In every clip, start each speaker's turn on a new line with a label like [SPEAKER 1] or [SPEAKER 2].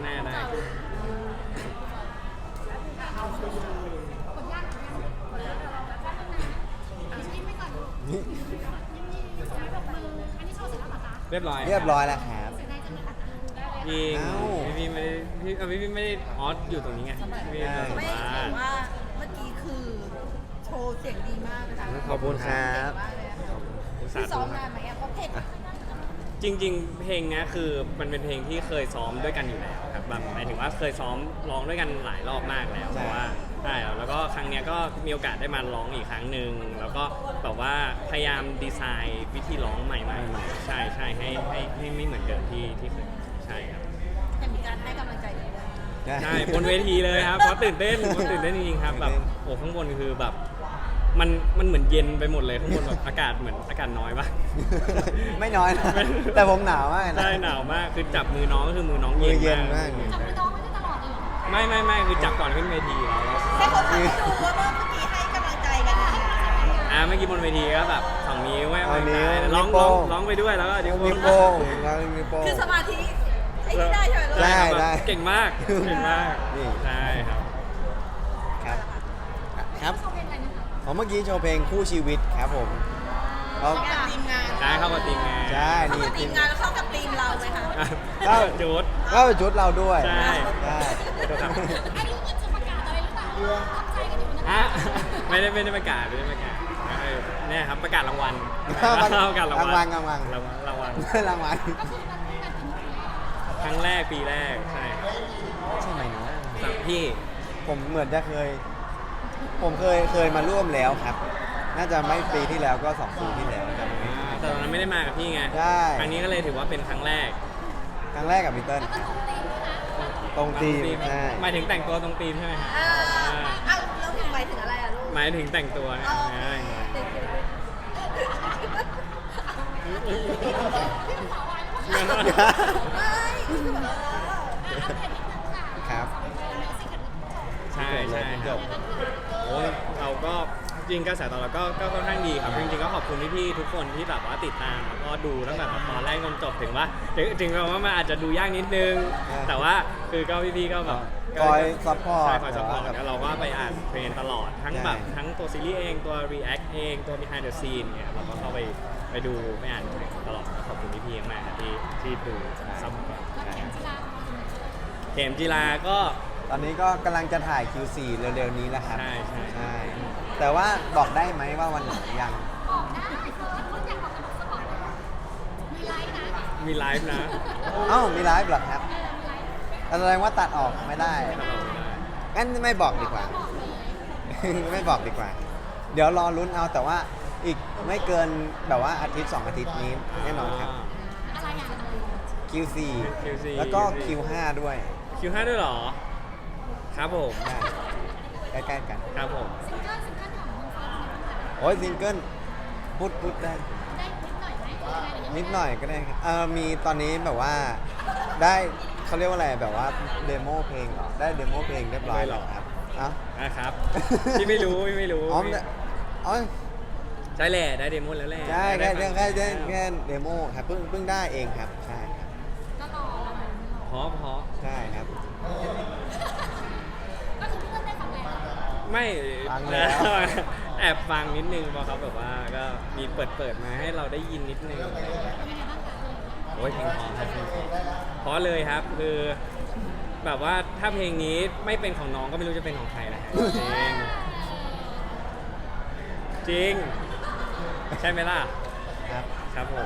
[SPEAKER 1] น้าได้เรียบร้อย
[SPEAKER 2] เรียบร้อยแล้วครับ
[SPEAKER 1] พี่
[SPEAKER 2] เอ้า
[SPEAKER 1] พี่ไม่ได้พี่ไม่ได้อ๋ออยู่ตรงนี้ไงพี่
[SPEAKER 2] ใช่
[SPEAKER 1] แบบ
[SPEAKER 3] ไม่
[SPEAKER 1] ว่า
[SPEAKER 3] ถือว่าเมื่อกี้คือโชว์เสียงดีมากนะคะ
[SPEAKER 2] ขอบคุณครับ
[SPEAKER 3] มากเลยอะ
[SPEAKER 1] สา
[SPEAKER 3] พี่ซ้
[SPEAKER 1] ธุ
[SPEAKER 3] อมนานไหมอะเพราะเพลง
[SPEAKER 1] จริงๆ เพลงเนี้ยคือมันเป็นเพลงที่เคยซ้อมด้วยกันอยู่แล้วครับแบบหมายถึงว่าเคยซ้อมร้องด้วยกันหลายรอบมากแล้ว
[SPEAKER 2] ใช่
[SPEAKER 1] เพราะว่าใช่แล้วก็ครั้งเนี้ยก็มีโอกาสได้มาร้องอีกครั้งหนึ่งแล้วก็แบบว่าพยายามดีไซน์วิธีร้องใหม่ๆใช่ใช่ให้ไม่เหมือนเดิมที่เคยใช่ครับ
[SPEAKER 3] แต่มีการให้กำลังใจด้วย
[SPEAKER 1] ใช่บนเวทีเลยครับเพราะตื่นเต้นจริงๆครับแบบโอ้ข้างบนคือแบบมันเหมือนเย็นไปหมดเลยข้างบนแบบอากาศเหมือนอากาศน้อยปะ
[SPEAKER 2] ไม่น้อยนะแต่ผมหนาวมากนะ
[SPEAKER 1] ใช่หนาวมากคือจับมือน้องก็คือมือน้อง
[SPEAKER 2] มือเย็
[SPEAKER 1] เย็
[SPEAKER 2] น
[SPEAKER 1] น
[SPEAKER 2] มาก
[SPEAKER 1] ใช่
[SPEAKER 4] จับมือน้องไว้ได้ตลอดเลยเหรอ
[SPEAKER 1] ไม่คือจับก่อนขึ้นเวทีแล้ว
[SPEAKER 3] ให้คนฟังดูว่าเมื่อกี้ให้กำลังใจกันยังไง
[SPEAKER 1] เมื่อกี้บนเวทีก็แบบสองนิ้วไม่
[SPEAKER 2] เอานิ้ว
[SPEAKER 1] ร้อง
[SPEAKER 2] นิ้วโป้ง
[SPEAKER 1] ร้องไปด้วยแล้วก็นิ้ว
[SPEAKER 2] มีโป้งแล้วมีโป้ง
[SPEAKER 3] คือสมาธิไอ้ที่ได้ใช่ไหมลูก
[SPEAKER 2] ได้
[SPEAKER 1] แบบเก่งมาก
[SPEAKER 2] นี่
[SPEAKER 1] ใช่ครับ
[SPEAKER 2] ครับครับ
[SPEAKER 4] เขาเป็นอะไรนะคะ
[SPEAKER 2] ผมเมื่อกี้โชว์เพลงคู่ชีวิตครับผมเรา
[SPEAKER 3] เข้ากับทีมงาน
[SPEAKER 1] ได้เข้ามาตีมงาน
[SPEAKER 2] ใช่
[SPEAKER 3] เข้า
[SPEAKER 2] นี่
[SPEAKER 3] กับทีมงานแล้วเข้ากับทีมเราไหมคะ
[SPEAKER 1] ก็จุด
[SPEAKER 2] ก็เป็นชุดเราด้วย
[SPEAKER 1] ใช่
[SPEAKER 2] ใช่
[SPEAKER 1] ครับ
[SPEAKER 4] อันนี้มันจะประกาศอะไรหรือเปล่าตั้งใจกันอยู่นะ
[SPEAKER 1] ไม่ได้ประกาศเนี่ยครับประกาศรางวัลประกาศรางวัล
[SPEAKER 2] รางวัล
[SPEAKER 1] รางวัล
[SPEAKER 2] รางวัล
[SPEAKER 4] ก็คือมันเป็นแบบนี้
[SPEAKER 1] ครั้งแรกปีแรกใช่
[SPEAKER 2] ใช่ไหมนะ
[SPEAKER 1] สำหรับพี่
[SPEAKER 2] ผมเหมือนจะผมเคยมาร่วมแล้วครับ น่าจะไม่ปีที่แล้วก็2 ปีที่แล้วจำไม่
[SPEAKER 1] แต่ตอนนั้นไม่ได้มากับพี่ไง
[SPEAKER 2] ใช่
[SPEAKER 1] ครั้งนี้ก็เลยถือว่าเป็นครั้งแรก
[SPEAKER 2] ครั้งแรกกับพีเติ้ล
[SPEAKER 4] แล้ว
[SPEAKER 2] ค
[SPEAKER 4] ก็
[SPEAKER 2] รับ
[SPEAKER 4] ตรงตีมด้วยนะ
[SPEAKER 2] ตรงทีมใช่
[SPEAKER 1] หมายถึงแต่งตัวตรงธีมใช่ไหมฮะ
[SPEAKER 3] เอ้าแล้วถึงไปถึงอะไรอะลูก
[SPEAKER 1] หมายถึงแต่งตัวนะ
[SPEAKER 3] อ๋อ
[SPEAKER 1] ใช่
[SPEAKER 3] ไม่คือแบบ
[SPEAKER 2] ครับ
[SPEAKER 1] ใช่ครับโอ้ยเราก็จริงกระแสตอบรับก็ค่อนข้างดีครับจริงๆก็ขอบคุณพี่ๆทุกคนที่แบบว่าติดตามแล้วก็ดูตั้งแต่ตอนแรกจนจบถึงว่าว่ามันอาจจะดูยากนิดนึง แต่ว่าคือก็พี่ๆก็แบบ
[SPEAKER 2] คอยซัพพอร์ต
[SPEAKER 1] ใช่คอยซัพพอร์ต
[SPEAKER 2] แบบ
[SPEAKER 1] แล้วเราก็ไปอ่านเทรนตลอดทั้งแบบ
[SPEAKER 2] ใช่
[SPEAKER 1] ทั้งตัวซีรีส์เองตัว react เองตัว behind the scene เนี่ยเราก็เข้าไปดูไปอ่านเทรนตลอดก็ขอบคุณพี่ๆมากครับที่ดูซัพพอร์ต เข็มจีราก็
[SPEAKER 2] ตอนนี้ก็กำลังจะถ่าย Q4 เร็วๆนี้แล้วครับ
[SPEAKER 1] ใช่
[SPEAKER 2] ใช่ แต่ว่าบอกได้ไหมว่าวันไหนยัง
[SPEAKER 4] บอกได้เธอคนอยากบอกกับสปอร์ตมีไลฟ์นะ
[SPEAKER 1] มีไลฟ์นะ
[SPEAKER 2] เอ้ามีไลฟ์เหรอครับแสดงว่าตัดออกไม่ได้งั้นไม่บอกดีกว่า ไม่บอกดีกว่า เดี๋ยวรอลุ้นเอาแต่ว่าอีกไม่เกินแบบว่าอาทิตย์2 อาทิตย์นี้แน่นอนครับ
[SPEAKER 4] อะไรอย่าง
[SPEAKER 2] Q4
[SPEAKER 1] Q4
[SPEAKER 2] แล้วก็ Q5 ด้วย
[SPEAKER 1] Q5 ด้วยเหรอ ครับผม
[SPEAKER 2] ได้ใกล้ๆกัน
[SPEAKER 1] ครับผม
[SPEAKER 4] ซิงเกิลของมึงฟ้าเป็นยังไง
[SPEAKER 2] โอ้ยซิงเกิลพูดได้
[SPEAKER 4] ได้นิดหน่อยไหม
[SPEAKER 2] นิดหน่อยก็ได้ครับมีตอนนี้แบบว่าได้เขาเรียกว่าอะไรแบบว่าเดโมเพลงเหรอได้เดโมเพลงเรียบร้อยแล้วครับเอ้า
[SPEAKER 1] นะครับ พี่ไม่รู้
[SPEAKER 2] อ๋ออ๋อ
[SPEAKER 1] ใช่แหละได้เดโมแล้วแหละ
[SPEAKER 2] ใช่แค่
[SPEAKER 1] ได้ฟัง
[SPEAKER 2] แค่เดโมครับเพิ่งได้เองครับใช่ครับ
[SPEAKER 4] ก็รอเราไม่รอ
[SPEAKER 1] เพราะ
[SPEAKER 2] ใช่ครับ
[SPEAKER 4] ก็คือพี่เติ้ลได้ฟังแล้ว
[SPEAKER 1] ไม่
[SPEAKER 2] ฟังแล้ว
[SPEAKER 1] แอบฟังนิดนึงพอเขาแบบว่าก็มีเปิดมาให้เราได้ยินนิดนึง
[SPEAKER 4] เป็นยังไงบ้างคะ
[SPEAKER 1] โอ้ยเพลงเพอครับเพราะเลยครับคือแบบว่าถ้าเพลงนี้ไม่เป็นของน้องก็ไม่รู้จะเป็นของใครแล้วจริงใช่ไหมล่ะ
[SPEAKER 2] ครับ
[SPEAKER 1] ครับผม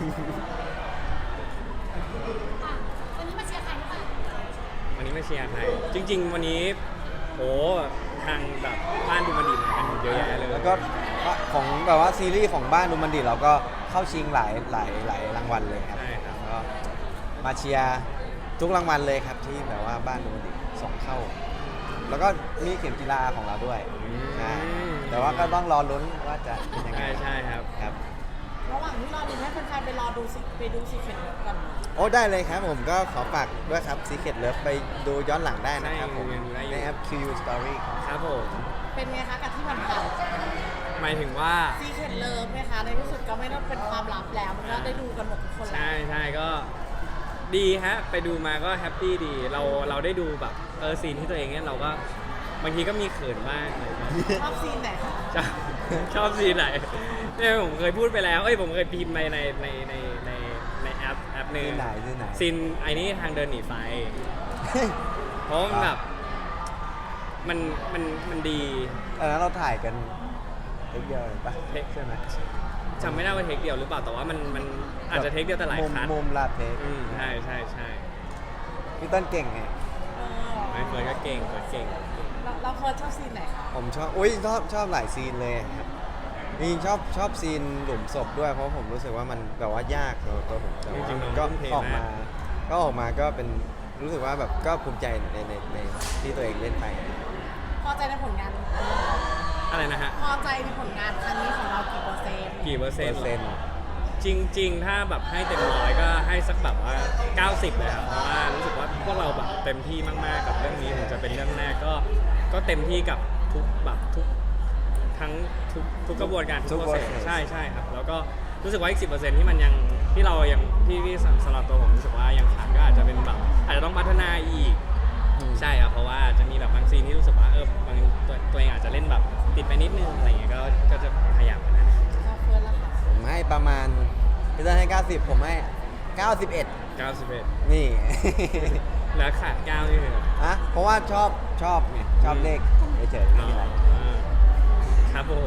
[SPEAKER 4] วันนี้มาเชียร์ใครหรือเปล่า
[SPEAKER 1] วันนี้มาเชียร์ใครจริง ๆ วันนี้โอ้ทางแบบบ้านดูมันดีมากันเยอะแยะเลย
[SPEAKER 2] แล้วก็ของแบบว่าซีรีส์ของบ้านดูมันดีเราก็เข้าชิงหลายรางวัลเลยครับ
[SPEAKER 1] ใช่ครับ
[SPEAKER 2] ก็มาเชียร์ทุกรางวัลเลยครับที่แบบว่าบ้านดูมันดีส่งเข้า แล้วก็มีเข็มกีฬาของเราด้วยใช่แต่ว่าก็ต้องรอลุ้นว่าจะเป็นยังไง
[SPEAKER 1] ใช่ครับ
[SPEAKER 2] ครับ
[SPEAKER 3] ระหว่างที่รอดูให้แฟนๆไปรอดูไปดูซีเค็ดกัน
[SPEAKER 2] โอ้ได้เลยครับผมก็ขอฝากด้วยครับ Secret Love ไปดูย้อนหลังได้นะครับผม
[SPEAKER 1] ใช่ยังดูได้อยู่
[SPEAKER 2] ในแอป QU Story ครับ
[SPEAKER 1] ครับผม
[SPEAKER 3] เป็นไงคะกับที่ผ่าน
[SPEAKER 1] หมายถึงว่า
[SPEAKER 3] ๆซีเค็ดเลิฟไหมคะในที่สุดก็ไม่ต้องเป็นความลับแล้วมันก็ได้ดูกันหมดทุกคนแล้ว
[SPEAKER 1] ใช่ก็ดีฮะไปดูมาก็แฮปปี้ดีเราได้ดูแบบซีนที่ตัวเองเนี่ยเราก็บางทีก็มีเขินบ้างอะไรอย่างเงี้ย
[SPEAKER 3] ชอบซีนไหนคะ
[SPEAKER 1] ชอบชอบซีนไหนเนี่ยผมเคยพูดไปแล้วผมเคยพิมพ์ไปในแอปหนึง
[SPEAKER 2] ที่ไหนที่ไหน
[SPEAKER 1] ซีนไอ้นี่ทางเดินหนีไฟ เพราะมันแบบมันดี
[SPEAKER 2] ตอนนั้นเราถ่ายกันเทคเดียวเลยปะ
[SPEAKER 1] เทค
[SPEAKER 2] ใช่ไหม
[SPEAKER 1] จำไม่ได้ว่าเทคเดียวหรือเปล่าแต่ว่ามันอาจจะเทคเดียวแต่หลายคัท
[SPEAKER 2] มุมลาดเทค
[SPEAKER 1] ใช่
[SPEAKER 2] พี่ต้นเก่งไง
[SPEAKER 1] ไม่เฟิร์นก็เก่งเก่ง
[SPEAKER 3] เราเฟิร์สชอบซีนไหนคะ
[SPEAKER 2] ผมชอบชอบหลายซีนเลยครับจริงๆชอบซีนหลุมศพด้วยเพราะผมรู้สึกว่ามันแบบว่ายากสำหรับตัวผมแต่ว่า
[SPEAKER 1] จริงๆ
[SPEAKER 2] มัน
[SPEAKER 1] น้
[SPEAKER 2] ก็
[SPEAKER 1] องทุ่มเท
[SPEAKER 2] ออกมา
[SPEAKER 1] มาก
[SPEAKER 2] ก็เป็นรู้สึกว่าแบบก็ภูมิใจในที่ตัวเองเล่นไป
[SPEAKER 3] พอใจในผลงาน
[SPEAKER 1] อะไรนะฮะ
[SPEAKER 3] พอใจในผลงานครั้งนี้ของเรากี่เปอร์เซ็นต์
[SPEAKER 1] กี่เปอร์เซ็นต์
[SPEAKER 2] เปอร์เซ็นต์
[SPEAKER 1] จริง ๆ ถ้าแบบให้เต็มร้อยก็ให้สักแบบว่า 90 เลยครับเพราะว่ารู้สึกว่าพวกเราแบบเต็มที่มากๆกับเรื่องนี้ถึงจะเป็นเรื่องแรกก็เต็มที่กับทุกแบบทุกกระบวนการทุกโปรเซสใช่ครับแล้วก็รู้สึกว่าอีก 10%ที่มันยังที่เรายังที่สำหรับตัวผมรู้สึกว่ายังขาดก็อาจจะเป็นแบบอาจจะต้องพัฒนาอีก ใช่ครับเพราะว่าจะมีแบบบางซีนที่รู้สึกว่าบางตัวเองอาจจะเล่นแบบติดไปนิดนึงอะไรอย่างเงี้ยก็จะพยายามนะ
[SPEAKER 3] เราเฟิร์สละค่ะ
[SPEAKER 2] ผมให้ประมาณพี่ต้นให้ 90 ผมให้ 91
[SPEAKER 1] 91
[SPEAKER 2] นี่
[SPEAKER 1] แล้วขาด9นี่คือ
[SPEAKER 2] อะเพราะว่าชอบไงชอบเลขเฉยๆไม่มีอะไร
[SPEAKER 1] ครับผม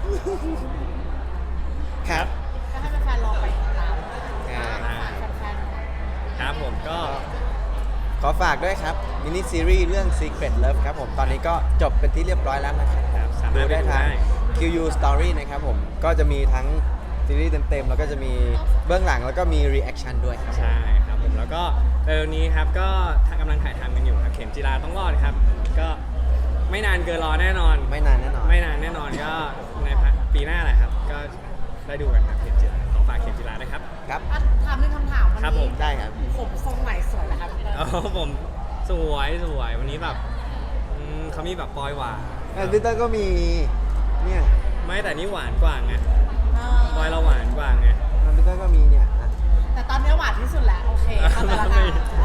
[SPEAKER 2] ครับ
[SPEAKER 3] ก็ให้แฟนๆรอไปติดตาม
[SPEAKER 2] อ่า
[SPEAKER 3] แฟนๆ
[SPEAKER 1] ครับผมก็
[SPEAKER 2] ขอฝากด้วยครับมินิซีรีส์เรื่อง Secret Love ครับผมตอนนี้ก็จบเป็นที่เรียบร้อยแล้วนะครับ
[SPEAKER 1] สามารถ
[SPEAKER 2] ดูได้ทาง QU Story นะครับผมก็จะมีทั้งซีรีส์เต็มๆแล้วก็จะมีเบื้องหลังแล้วก็มี reaction ด้วยครับ
[SPEAKER 1] ใช่ครับผมแล้วก็เร็วนี้ครับก็กำลังถ่ายทำกันอยู่ครับเข็มจีราต้องรอดครับ ก็ไม่นานเกินรอแน่นอน
[SPEAKER 2] ไม่นานแน่นอน
[SPEAKER 1] ไม่นานแน่นอนก็ในปีหน้าแหละครับ ก็ได้ดูกันครับเข็มจีราขอฝากเข็มจีราด้วยครับ
[SPEAKER 2] ครับ
[SPEAKER 3] ถามหนึ่งคำถามวัน
[SPEAKER 1] ครับผ
[SPEAKER 3] นี้
[SPEAKER 1] ม
[SPEAKER 2] ได้ครับ
[SPEAKER 3] ผมทรงไหนสวยนะคะพี่เติ้ล
[SPEAKER 1] อ๋อผมสวยวันนี้แบบเขามีแบบปลอยหวาน
[SPEAKER 2] พี่เตอร์ก็มีเนี่ย
[SPEAKER 1] ไม่แต่นี่หวานกว่าไง
[SPEAKER 3] เอ
[SPEAKER 1] ปลอยเราหวานกว่าไง
[SPEAKER 2] พี่เตอร์ก็มีเนี่ยอ่ะ
[SPEAKER 3] แต่ตอนนี้หวานที่สุดแล้ว โอเคเข้าใจแล้วค่ะ